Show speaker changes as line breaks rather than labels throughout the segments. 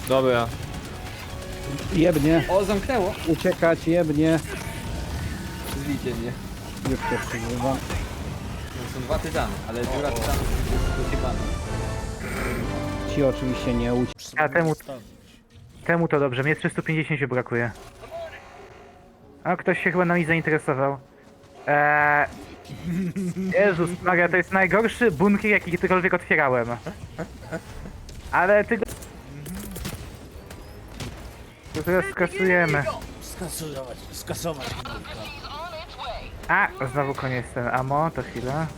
Dobra.
Jebnie,
O, zamknęło.
uciekać, jebnie.
Zlijcie mnie.
Już się przyzywam.
No, są dwa tytany, ale dziura tytanów jest dosypana.
Ci oczywiście nie
A temu to dobrze, mnie 350 brakuje. A ktoś się chyba nami zainteresował. Jezus Maria, to jest najgorszy bunkier, jaki kiedykolwiek otwierałem. Ale ty go... To teraz skasujemy.
Skasować.
A, znowu koniec ten ammo, to chwila.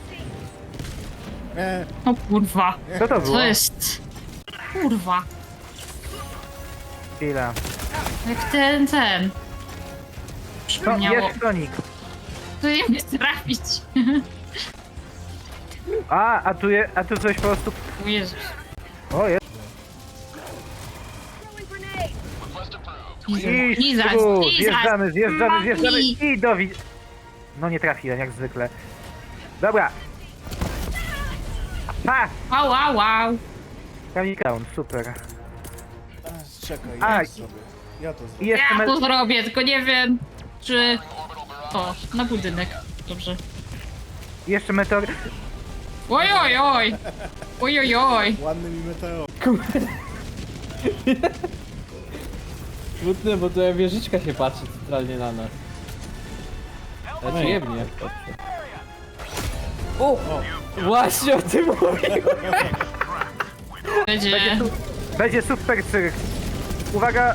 O kurwa.
Co to było?
Co jest? Kurwa.
Chwila.
Jak ten.
To
Przypomniało.
jest Sonic.
To nie mnie trafić.
A tu coś po prostu...
O Jezus.
O, jest. I
Lizać,
tu,
lizać.
zjeżdżamy
Mami.
i do No nie trafiłem, jak zwykle. Dobra. Ha!
Wow, wow, wow.
Kamil down, super.
Czekaj,
A,
ja sobie. Ja to
I
zrobię.
jeszcze
Ja to zrobię, tylko nie wiem, czy... O, na budynek. Dobrze.
jeszcze meteor...
Oj, oj, oj. Oj, oj, oj.
Ładny mi meteor.
Smutne, bo tu wieżyczka się patrzy centralnie na nas. Znaczy jebnie. O! Właśnie o tym mówiłem!
Będzie...
Będzie super cyrk. Uwaga,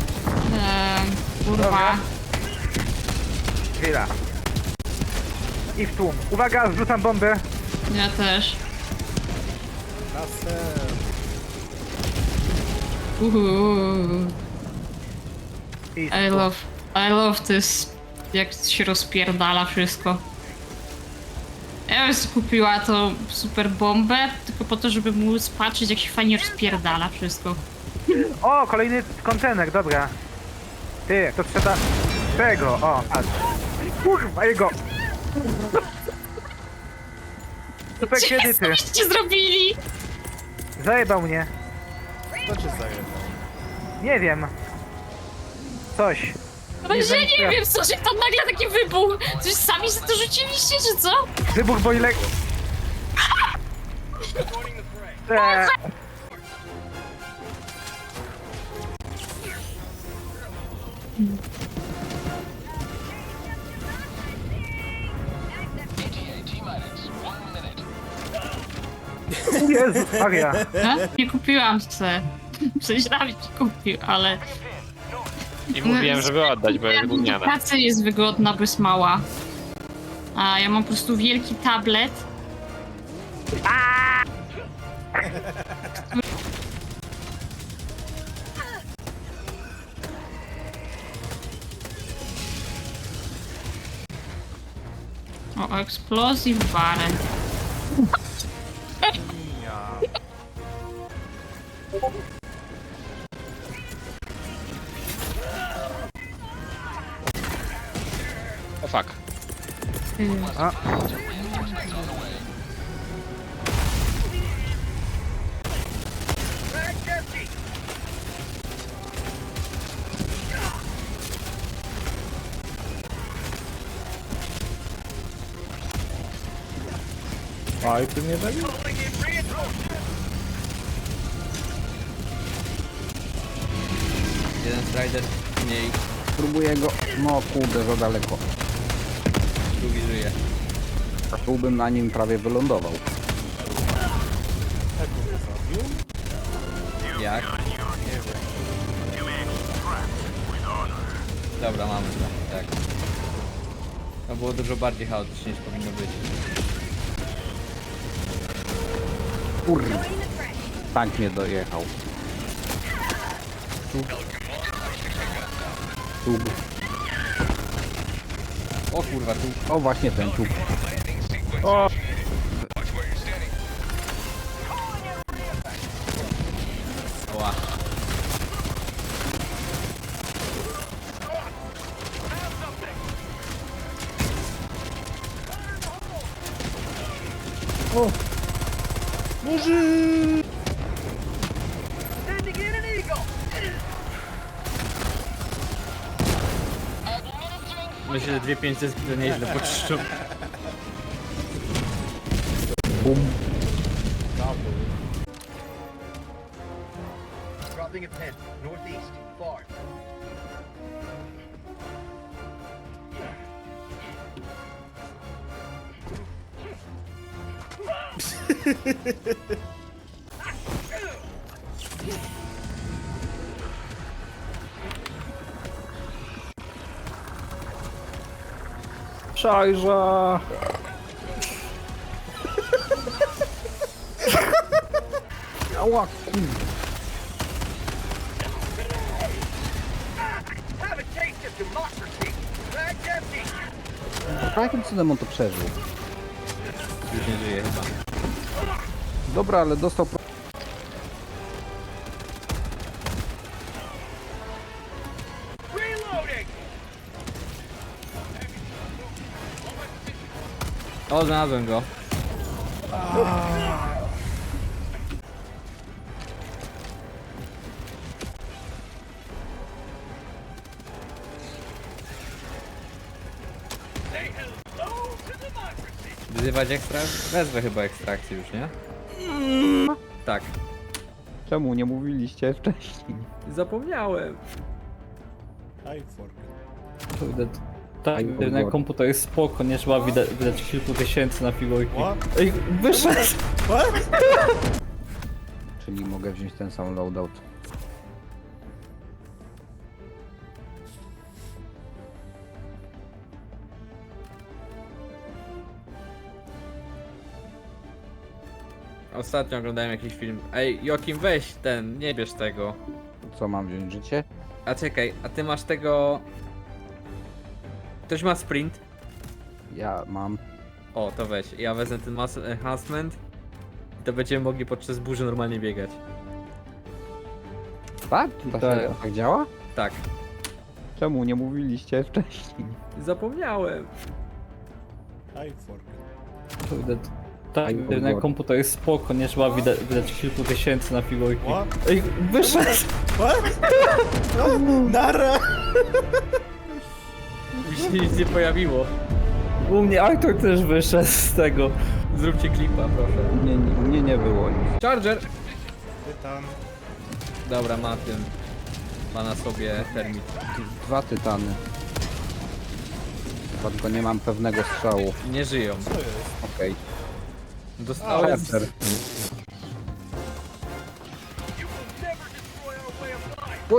Kurwa.
chwila. I w tłum. Uwaga, zrzucam bombę.
Ja też.
Laser.
I
I love this. Jak się rozpierdala wszystko. Ja bym sobie kupiła tą super bombę, tylko po to, żeby móc patrzeć, jak się fajnie rozpierdala wszystko.
O, kolejny kontener, dobra. Ty, to trzeba... Tego, o, patrz. Kurwa, jego. Super kredyty.
Coście zrobili?
Zajebał mnie.
Kto cię zajebał?
Nie wiem. Coś.
Także nie wiem, co się tam nagle taki wybuch. Coś sami sobie to rzuciliście, czy co?
Wybuch bojlek. Jezus Maria.
Nie kupiłam se. Przejrzałam ci kupił, ale...
I mówiłem, żeby oddać, bo jest gówniana.
Praca jest wygodna, bo jest mała. A ja mam po prostu wielki tablet. O, explosive barrel.
O fuck.
Oj, ty mnie zabił?
Jeden strider mniej,
Próbuję go... No kurde, za daleko.
drugi żyje.
A tu bym na nim prawie wylądował.
Jak? Dobra, mamy to, tak. To było dużo bardziej chaotycznie niż powinno być.
Kurde. Tank mnie dojechał. Tu.
O kurwa, tu
O właśnie ten ciup.
oła.
Murzy!
Myślę, że 2-5 to nieźle poczyszczą.
Dropping a pin, northeast, far.
Szajża! Ała, kurde.
Have a taste of democracy. Bag's empty.
Jakim cudem on to przeżył?
Już nie żyje chyba.
Dobra, ale dostał...
Reloading.
O, znalazłem go. Wyzywać wezwę chyba ekstrakcję już, nie? Tak.
Czemu nie mówiliście wcześniej?
Zapomniałem.
I forget.
Kurde, tak,
Aj,
na
Boże.
komputer jest spoko, nie trzeba wydać kilku tysięcy na figurki.
What?
Ej, wyszedł!
What?
Czyli mogę wziąć ten sam loadout.
Ostatnio oglądałem jakiś film. Ej, Jokim, weź ten, nie bierz tego.
Co mam wziąć, życie?
A czekaj, a ty masz tego... Ktoś ma sprint?
Ja mam.
O, to weź. Ja wezmę ten muscle enhancement. I to będziemy mogli podczas burzy normalnie biegać.
Tak? To
Tak.
się tak działa?
Tak.
Czemu nie mówiliście wcześniej?
Zapomniałem.
I forget.
Kurde, tak,
Aj,
na
Boże.
komputer jest spoko, nie trzeba wydać kilku tysięcy na figurki.
What?
Ej, wyszedł!
What? Nara!
Mi się nic nie pojawiło.
U mnie Artur też wyszedł z tego.
Zróbcie klipa, proszę.
Nie, nie było nic.
Charger!
Tytan.
Dobra, ma tym. Ma na sobie termit.
2 tytany. Chyba tylko nie mam pewnego strzału.
I nie żyją.
Co jest?
Okej.
Dostałem...
Chester. What?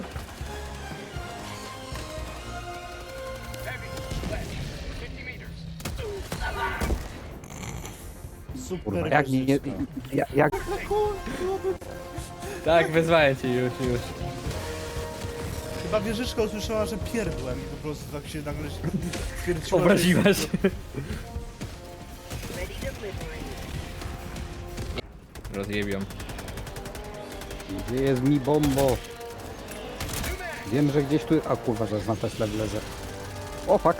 Super.
Kurwa, jak nie...
wieżyczka.
Jak...
Tak, wezwałem cię już.
Chyba wieżyczka usłyszała, że pierdłem i po prostu tak się nagle stwierdziła.
Obraziła się. Rozjebią.
Gdzie jest mi bombo? Wiem, że gdzieś tu... A kurwa, że na Tesla wlezę. O fuck!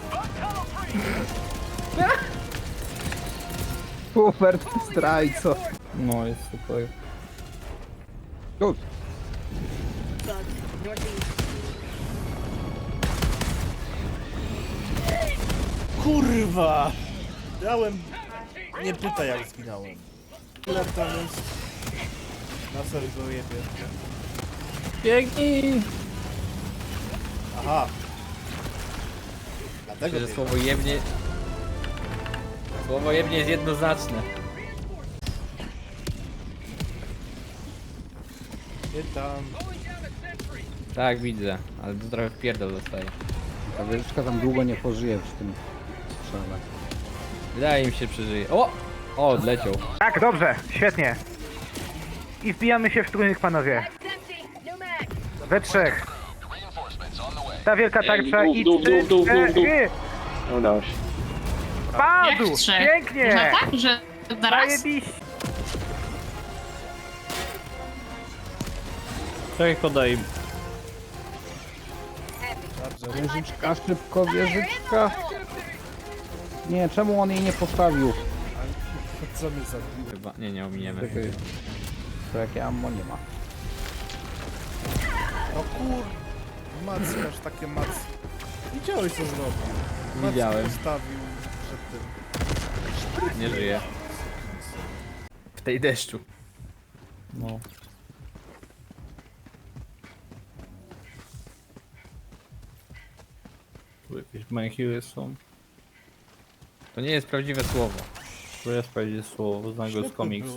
Super, zdrajco!
No, jest super.
Good.
Kurwa! Dałem... Nie pytaj jak zginąłem. Ile tam jest? Na serio go jebie.
Biegnij!
Aha. Dlatego
Myślę, że
biegł.
słowo jebnie jest jednoznaczne.
Tytan.
Tak, widzę, ale to trochę w pierdol dostaje.
Ta wieżyczka tam długo nie pożyje przy tym strzale.
Wydaje mi się, przeżyje. O! O, odleciał.
Tak, dobrze, świetnie. I wbijamy się w trójnych, panowie. We trzech. Ta wielka tarcza i cztery.
Udało się.
Padł!
Jak trzech?
Pięknie!
Można tak, że naraz?
Zajebiście!
Czekaj, podaj.
Wieżyczka, szybko, wieżyczka! Nie, czemu on jej nie postawił?
Co mnie zabiło?
Chyba, nie ominiemy.
To jakie ammo nie ma.
Kur... Mackasz, takie mac... Widziałeś co zrobił. Macki
Widziałem.
postawił przed tym.
Nie żyje. W tej deszczu.
No. Tu jakieś manhewy są.
To nie jest prawdziwe słowo.
To jest powiedzieć słowo, znam go z
Ślepy
komiksu.